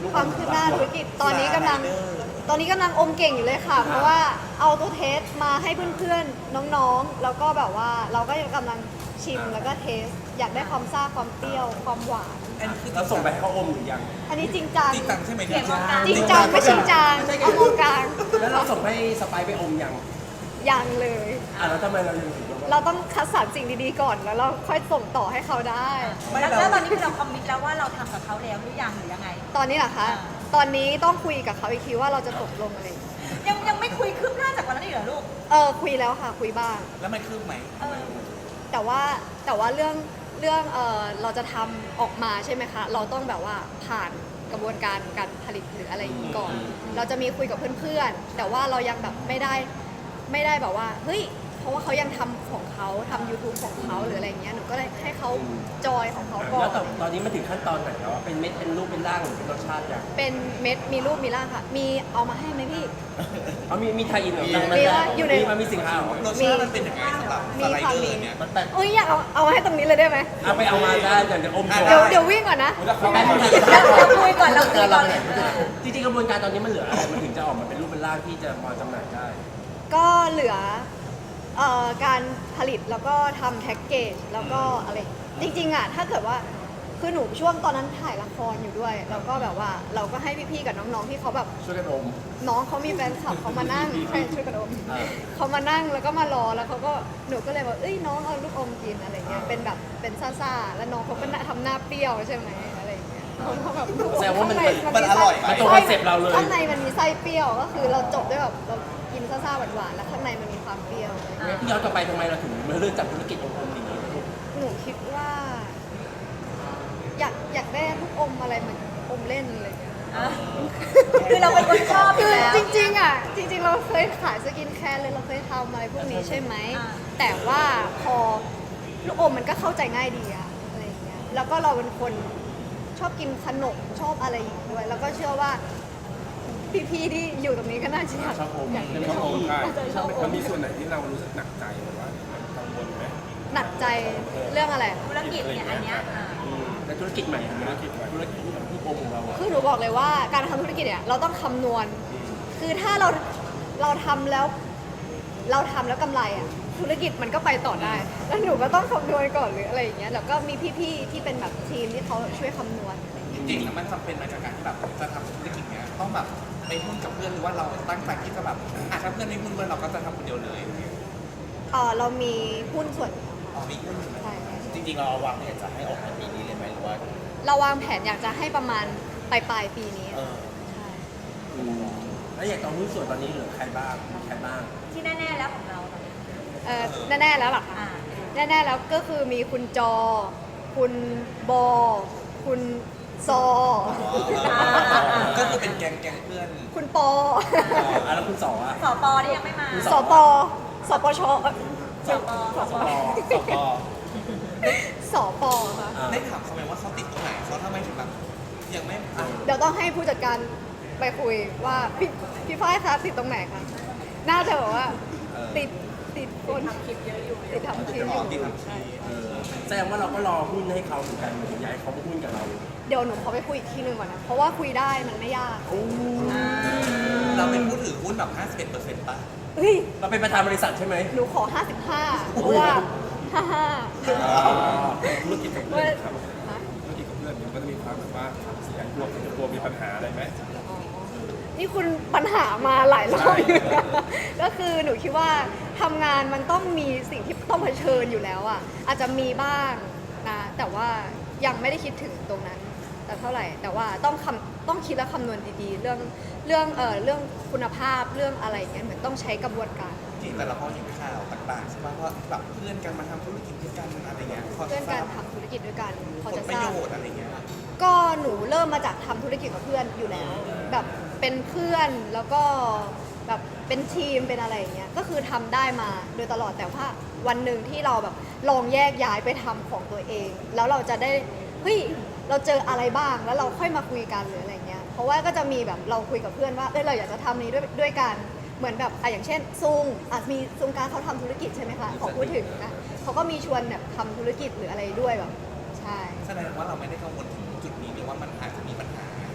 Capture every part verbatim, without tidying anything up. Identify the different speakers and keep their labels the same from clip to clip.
Speaker 1: ความคืบหน้าธุรกิจตอนนี้กำลังตอนนี้กำลังอมเก่งอยู่เลยค่ะ เพราะว่าเอาตัวเทสมาให้เพื่อนๆน้องๆแล้วก็แบบว่าเราก็ยังกำลังชิมแล้วก็เทสอยากได้ความซ่าความเปรี้ยวความหวาน
Speaker 2: อันนี้คือ
Speaker 3: เราส่งไปให้เขาอมหรือยัง
Speaker 1: อันนี้จริงจัง
Speaker 2: จริงจังใช่ไหมเนี่ย
Speaker 1: จริงจังไม่จริงจังเอามองกลาง
Speaker 3: แล้วเราส่งให้สไปซ์ไปอมยัง
Speaker 1: ยังเลย
Speaker 3: อ่ะแล้วทำไมเรายังถือว่า
Speaker 1: เราต้องคัดสรรสิ่งดีๆก่อนแล้วเราค่อยส่งต่อให้เขาได้
Speaker 4: แล้วแล้วตอนนี้คือเราคอมมิตแล้วว่าเราทำกับเขาแล้วหรือยังหรือยังไง
Speaker 1: ตอนนี้เหรอคะ
Speaker 4: อ่า
Speaker 1: ตอนนี้ต้องคุยกับเขาอีกทีว่าเราจะตกลงอะไร
Speaker 4: ยังยังไม่คุยคืบหน้าจากวันนั้นอีกเหรอลูก
Speaker 1: เออคุยแล้วค่ะคุยบ้าง
Speaker 2: แล้วมันคืบไหม
Speaker 4: เออ
Speaker 1: แต่ว่าแต่ว่าเรื่องเรื่องเออเราจะทำออกมาใช่ไหมคะ เราต้องแบบว่าผ่านกระบวนการการผลิตหรืออะไรอย่างนี้ก่อน เราจะมีคุยกับเพื่อนๆ แต่ว่าเรายังแบบไม่ได้ไม่ได้แบบว่าเฮ้ยเพราะว่าเขายังทำของเขาทำ YouTube ของเขาหรืออะไรอย่างเงี้ยหนูก็เลยให้เขาจอยของเขาก่อ
Speaker 3: แล้
Speaker 1: น
Speaker 3: วตอนตอนนี้มันถึงขั้นตอนไหนแล้วอะเป็นเม็ดเป็นรูปเป็นร่างหรือเป็นรสชาติยัง
Speaker 1: เป็นเม็ดมีรูปมีร่างค่ะ มีเอามาให้ไหมพี่
Speaker 3: เขามีมีไทยอินเหรอ
Speaker 1: มีว่าอยู่ใน
Speaker 3: มีมันมีสินค้าเหรอ
Speaker 2: รสชาติมันเป็นยังไงสำหรับสไลเดอร์เนี่ย
Speaker 3: มันแต่
Speaker 1: เอ้ยอยากเอาเอามาให้ตรงนี้เลยได้ไหม
Speaker 3: เอาไปเอามาได้เดี๋ยวจะอมโชว์
Speaker 1: เดี๋ยวเดี๋ยววิ่งก่อนนะ
Speaker 3: แป๊บนึง
Speaker 4: เราคุยก่อนเราคุยก่อน
Speaker 3: จริงๆกระบวนการตอนนี้มันเหลืออะไรมันถึงจะออกมาเป็นรูปเป็นร่างที่จะพอจำหน่ายได้
Speaker 1: ก็เหลือเอ่อการผลิตแล้วก็ทำแพ็กเกจแล้วก็อะไรจริงๆอ่ะถ้าเกิดว่าคือหนูช่วงตอนนั้นถ่ายละครอยู่ด้วย แล้วก็แบบว่าเราก็ให้พี่ๆกับน้องๆที่เขาแบบ
Speaker 3: ช่วยกันอม
Speaker 1: น้องเขามีแฟนคลับเขามานั่งใช่ช่วยกันอม
Speaker 3: อ่า
Speaker 1: เขามานั่งแล้วก็มารอแล้วเขาก็หนูก็เลยบอกเอ้ยน้องเอาลูกอมกินอะไรเงี้ยเป็นแบบเป็นซ่าๆแล้วน้องเขาก็ทำหน้าเปรี้ยวใช่ไหมอะไรอย่างเงี้ยเขาแบบลูกอ
Speaker 3: แสดงว่ามัน
Speaker 1: ข้งใ
Speaker 2: มันอร่อย
Speaker 3: มันตรงคอนเซ็ปต์เราเลย
Speaker 1: ข้างในมันมีไส้เปรี้ยวก็คือเราจบด้วยแบบเรากินซ่าๆหวานๆแล้วข้างในมันมีความเปรี้ยว
Speaker 3: พี่ย้อนกลับไปทำไมเราถึงมาเริ่มจับธุรกิจอมๆอย่างนี้
Speaker 1: หนูคิดว่า อยากอยากได้ลูกอมอะไรเหมือนอมเล่นอะไรเงี้ย
Speaker 4: อ่ะคือเราเป็นคนชอบอ
Speaker 1: คื
Speaker 4: ยู่
Speaker 1: อ
Speaker 4: แล้ว
Speaker 1: จริงๆอ่ะจริงๆ เราเคยขายสกินแคร์เลยเราเคยทำอะไรพวกนี้ใช่ไหม
Speaker 4: อ่า
Speaker 1: แต่ว่าพอลูกอมมันก็เข้าใจง่ายดีอะอะไรอย่างเงี้ยแล้วก็เราเป็นคนชอบกินขนมชอบอะไรอย่างเงี้ยด้วย แล้วก็เชื่อว่าพี่ๆที่อยู่ตรงนี้ก็น่าจะอยาก
Speaker 3: ชอบอม
Speaker 1: อยาก
Speaker 5: เป็นข้อมูลใช่
Speaker 1: น่าจะชอบอ
Speaker 5: มัน
Speaker 1: ม
Speaker 5: มีส่วนไหนที่เรารู้สึกหนักใจหรือว่ากังวลไหม
Speaker 1: หนักใจเรื่องอะไร
Speaker 4: ธุรกิจเนี่ยอันเนี้ยอ่ะ
Speaker 3: และธุรกิจใหม่ธุรกิจธุรกิจที่อมของเราอะ
Speaker 1: คือหนูบอกเลยว่าการทำธุรกิจเนี่ยเราต้องคำนวณ คือถ้าเราเราทำแล้ว เราทำแล้วกำไรอ่ะธุรกิจมันก็ไปต่อได้ แล้วหนูก็ต้องคำนวณก่อนหรืออะไรอย่างเงี้ยแล้วก็มีพี่ๆที่เป็นแบบทีมที่เขาช่วยคำนวณอะไรอย่าง
Speaker 2: จ
Speaker 1: เงี้ย
Speaker 2: ริงๆแล้วมันจำเป็นไหมกับการที่แบบจะทำธุรกิจเนี้ยต้องแบบไปหุ้นกับเพื่อนหรือว่าเราตั้งใจที่จะแบบอ่ะถ้าเพื่อนไม่หุ้นด้วยเราก็จะทำคนเดียวเลย
Speaker 1: เออเรามีหุ้นส่วน
Speaker 2: อ๋อมีหุ้นอยู่ไหม
Speaker 1: ใช่
Speaker 2: จริงๆเราวางแผนจะให้ออกในปีนี้เลยไหมหรือว่า
Speaker 1: เราวางแผนอยากจะให้ประมาณปลายปลายๆปีนี้
Speaker 2: เออ
Speaker 1: ใช่
Speaker 3: อืมแล้วอย่างตอนหุ้นส่วนตอนนี้เหลือใครบ้างใครบ้าง
Speaker 4: ที่แน่ๆแล้วของเราตอนนี้
Speaker 1: เออแน่ๆแล้วเหรอคะ
Speaker 4: อ่า
Speaker 1: แน่ๆแล้วก็คือมีคุณจอ คุณบอ คุณซอ
Speaker 2: ก็คือเป็นแก๊งแก๊งเพื่อน
Speaker 1: คุณปอ
Speaker 3: อ่ะแล้วคุณสออ่ะ
Speaker 4: สปนี่ยังไม่มา
Speaker 1: สปสปชเอ้ย
Speaker 4: สป
Speaker 1: สป
Speaker 2: สป
Speaker 1: สปค่ะ
Speaker 3: อ่ะ
Speaker 2: ได้ถามเขาไหมว่าเขาติดตรงไหนเขาทำไมถึงแบบยังไม่อ่ะ
Speaker 1: เดี๋ยวต้องให้ผู้จัดการไปคุยว่าพี่พี่ฝ้ายคะติดตรงไหนคะน่าจะบอกว่าติดติดคนทำคลิปเยอะอยู่ติดทำคลิปอยู่
Speaker 2: ติดทำคลิป
Speaker 3: เออแสดงว่าเราก็รอหุ้นให้เขาเหมือนกันถึงอยากให้เขามาหุ้นกับเรา
Speaker 1: เดี๋ยวหนูขอไปคุยอีกทีหนึ่งก่อนนะ เพราะว่าคุยได้มันไม่ยาก
Speaker 2: เราเป็นผู้ถือหุ้นแบบ ห้าสิบเอ็ดเปอร์เซ็นต์ ป่ะ
Speaker 1: เฮ้ย
Speaker 3: เราเป็นประธานบริษัทใช่ไหม
Speaker 1: หนูขอ ห้าสิบห้า เพราะว่า ห้าห้า
Speaker 5: ธุรกิจกับเพื่อนครับธุรกิจกับเพื่อนมันก็จะมีความแบบว่าเสียงกลัวกลัวมีปัญหาอะไรไหม
Speaker 1: นี่คุณปัญหามาหลายรอบอยู่นะก็คือหนูคิดว่าทำงานมันต้องมีสิ่งที่ต้องเผชิญอยู่แล้วอ่ะอาจจะมีบ้างนะ แต่ว่ายังไม่ได้คิดถึงตรงนั้นแต่เท่าไหร่ แต่ว่าต้องคำต้องคิดและคำนวณดีๆ เรื่องเรื่องเอ่อเรื่องคุณภาพเรื่องอะไรอย่างเงี้ยเหมือนต้องใช้กระบวนการ
Speaker 2: จริงแต่เราพอเห็นข่าวต่างๆใช่ป่ะว่าแบบเพื่อนกันมาทำธุรกิจด้วยกันอะไรเงี้ยพอ
Speaker 1: เพื่อน
Speaker 2: ท
Speaker 1: การ
Speaker 2: ราบ
Speaker 1: ทำธุรกิจด้วยกันพ
Speaker 2: ผ
Speaker 1: อ
Speaker 2: ล
Speaker 1: จะ
Speaker 2: ป
Speaker 1: ท
Speaker 2: ระ
Speaker 1: รา
Speaker 2: โย
Speaker 1: บ
Speaker 2: ชน์อะไรเงี้ย
Speaker 1: ก็หนูเริ่มมาจากทำธุรกิจกับเพื่อนอยู่แล้ว แบบเป็นเพื่อนแล้วก็แบบเป็นทีมเป็นอะไรอย่างเงี้ยก็คือทำได้มาโดยตลอดแต่ว่าวันหนึ่งที่เราแบบลองแยกย้ายไปทำของตัวเอง แล้วเราจะได้เฮ้ยเราเจออะไรบ้างแล้วเราค่อยมาคุยกันหรืออะไรเงี้ยเพราะว่าก็จะมีแบบเราคุยกับเพื่อนว่าเอ้ยเราอยากจะทำนี้ด้วยด้วยกันเหมือนแบบอ่ะอย่างเช่นซุงอ่ะมีซุงการเขาทำธุรกิจใช่ไหมคะขอพูดถึงนะเขาก็มีชวนแบบทำธุรกิจหรืออะไรด้วยแบบใช่
Speaker 2: แสดงว่าเราไม่ได้กังวลถึงจุดนี้เลยว่ามันอาจจะมีปัญหา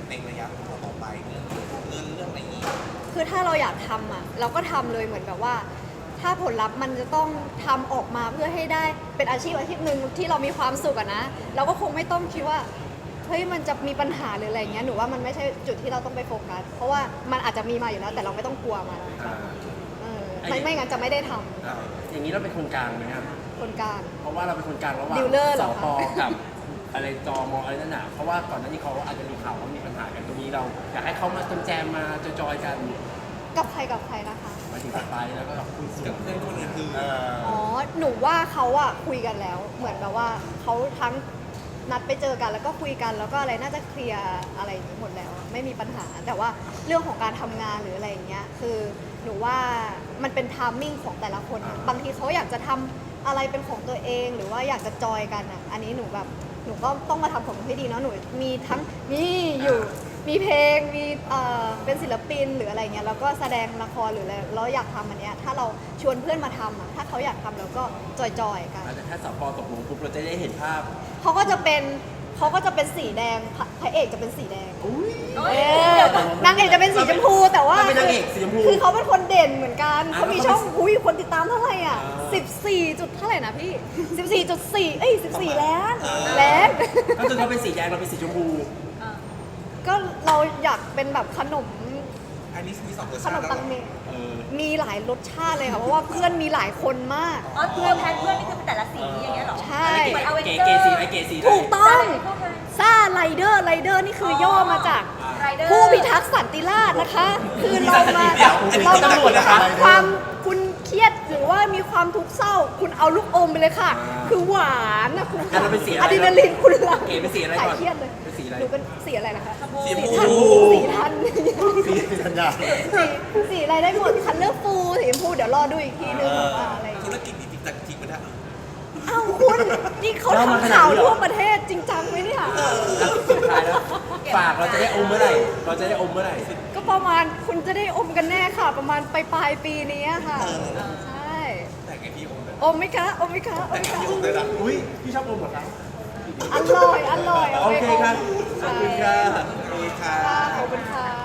Speaker 2: ในระยะต่อไปเรื่องเงินเรื่องอะไรนี้
Speaker 1: คือถ้าเราอยากทำอ่ะเราก็ทำเลยเหมือนแบบว่า ถ้าผลลัพธ์มันจะต้องทำออกมาเพื่อให้ได้เป็นอาชีพอาชีพหนึ่งที่เรามีความสุขอะนะเราก็คงไม่ต้องคิดว่าเฮ้ยมันจะมีปัญหาหรืออะไรเงี้ยหนูว่ามันไม่ใช่จุดที่เราต้องไปโฟกัสเพราะว่ามันอาจจะมีมาอยู่แล้วแต่เราไม่ต้องกลัวมัน
Speaker 3: อ่า
Speaker 1: เออไม่ไม่งั้นจะไม่ได้ท
Speaker 3: อย่างนี้เราเป็นคนกลางไหมครับ
Speaker 1: ำคนกลาง
Speaker 3: เพราะว่าเราเป็นคนกลางระหว่าง
Speaker 1: ดีลเลอร์เห
Speaker 3: ส
Speaker 1: รอ
Speaker 3: ป
Speaker 1: คะ
Speaker 3: กับอะไรจอมออะไรนั่นน่ะเพราะว่าก่อนหน้านี้เขาอาจจะมีข่าวว่ามีปัญหากันตรงนี้เราอยากให้เขามาจำแจมมาจอยๆกัน
Speaker 1: กับใครกับใครนะคะ
Speaker 3: มาถึงสไปร์แล้วก็กับคุณสุ
Speaker 2: กับเพื่อนคนอื่นคือ
Speaker 3: เออ
Speaker 1: อ๋อ หนูว่าเขาอะคุยกันแล้ว เหมือนแบบว่าเขาทั้งนัดไปเจอกันแล้วก็คุยกันแล้วก็อะไรน่าจะเคลียร์อะไรอย่างนี้หมดแล้ว ไม่มีปัญหา แต่ว่าเรื่องของการทำงานหรืออะไรอย่างเงี้ย คือหนูว่ามันเป็นทามมิ่งของแต่ละคนอะบางทีเขาอยากจะทำอะไรเป็นของตัวเอง หรือว่าอยากจะจอยกันอะอันนี้หนูแบบ หนูก็ต้องมาทำของหนูให้ดีเนาะ หนูมีทั้งมีอยู่ มีเพลง มีเอ่อเป็นศิลปินหรืออะไรเงี้ย แล้วก็แสดงละครหรืออะไรเราอยากทำอันเนี้ย ถ้าเราชวนเพื่อนมาทำอะถ้าเขาอยากทำเราก็จอยๆกัน
Speaker 3: แต่ถ้าสปตกลงปุ๊บเราจะได้เห็นภาพ
Speaker 1: เขาก็จะเป็นเขาก็จะเป็นสีแดงพระพระเอกจะเป็นสีแดง
Speaker 3: อุ้ย
Speaker 1: เออนางเอกจะเป็นสีชมพูแต่ว่า
Speaker 3: เราเป็นนางเอกสีชมพู
Speaker 1: คือเขาเป็นคนเด่นเหมือนกัน
Speaker 3: อ่ะ
Speaker 1: เขามี
Speaker 3: แล้ว
Speaker 1: ช่อง
Speaker 3: เขาเป็น
Speaker 1: อุ้ยคนติดตามเท่าไหร่อ่ะ
Speaker 3: อ่า
Speaker 1: สิบสี่จุดเท่าไหร่นะพี่สิบสี่จุดสี่เอ้ยสิบสี่ล้านล้าน
Speaker 3: ก็คือเขาเป็นสีแดงเราเป็นสีชมพู
Speaker 1: ก็เราอยากเป็นแบบขนม
Speaker 2: อันนี้มีสองรส
Speaker 1: ข
Speaker 2: ชาน ติ
Speaker 1: ม
Speaker 2: แล้ว
Speaker 1: ปัง
Speaker 2: เห
Speaker 1: เม
Speaker 2: รอ
Speaker 3: เออ
Speaker 1: มีหลายรสชาติเลยค่ะเพราะว่าเพื่อนมีหลายคนมาก
Speaker 4: อ๋อเพื่อนแทนเพื่อนนี่คือเป็นแต่ละสีอย่างเงี้ยเหรอ
Speaker 1: ใช่
Speaker 4: เหมือนเอาเวน
Speaker 3: เก๋
Speaker 4: เจอ
Speaker 3: เก๋
Speaker 4: ร์
Speaker 3: สีไอเก๋สีได้
Speaker 1: ถูกต้อง
Speaker 4: พวกนั้น
Speaker 1: ซ่าไรเดอร์ไรเดอร์นี่คือย่อมาจาก
Speaker 4: ไรเดอร์
Speaker 1: ผู้พิทักษ์สันติราษฎร์นะคะ คือเรามา
Speaker 2: เดี๋ยวอันนี้
Speaker 1: เรา
Speaker 2: ตำรวจนะคะ
Speaker 1: ความคุณเครียดหรือว่ามีความทุกข์เศร้า คุณเอาลูกอมไปเลยค่ะ คือหวานนะคุณ
Speaker 3: อ่ะเราเป็นสีอะไร
Speaker 1: อะดรีนาลีนคุณหลัง
Speaker 3: เก๋เป็นสีอะไร
Speaker 1: หาย
Speaker 3: ก่อน
Speaker 1: เครียดเลย
Speaker 3: เป็นสีอะไร
Speaker 1: หนูเป็นสีอะไรนะคะ
Speaker 2: สีชม
Speaker 1: ทัน
Speaker 2: พู
Speaker 1: สีทัน
Speaker 3: สีธัญญา
Speaker 1: สีสีอะไรได้หมดคันเลือกฟูสีชมพูเดี๋ยวรอดูอีกทีนึงว่าอะไรอย่าง
Speaker 2: ธุ
Speaker 1: เงี้ย
Speaker 2: รกิจจริงๆแต่จริงๆมันอะ
Speaker 1: เอ้าคุณนี่เขาทำข่าวทั่วประเทศจริงจังไหมเนี่ย
Speaker 3: แล้วสุดท้ายแล้วฝากเราจะได้อมเมื่อไหร่ เราจะได้อมเมื่อไหร่
Speaker 1: ก็ประมาณคุณจะได้อมกันแน่ค่ะ ประมาณปลายปลายๆปีนี้ค่ะ ใช่
Speaker 2: แต่ไงพี่โอมเลย
Speaker 1: อมไหมคะอมไหมคะอ
Speaker 2: แต่
Speaker 1: มไหม
Speaker 2: ไง
Speaker 1: คะ
Speaker 2: พี่โอมเลยนะ
Speaker 3: อุ้ยพี่ชอบอมเหรอครับ
Speaker 1: อร่อยอร่อยา
Speaker 3: โอ
Speaker 1: ไป
Speaker 3: เคครับ ขอบคุณครับ
Speaker 2: มีค่ะ
Speaker 1: ค่ะขอบคุณค่ะ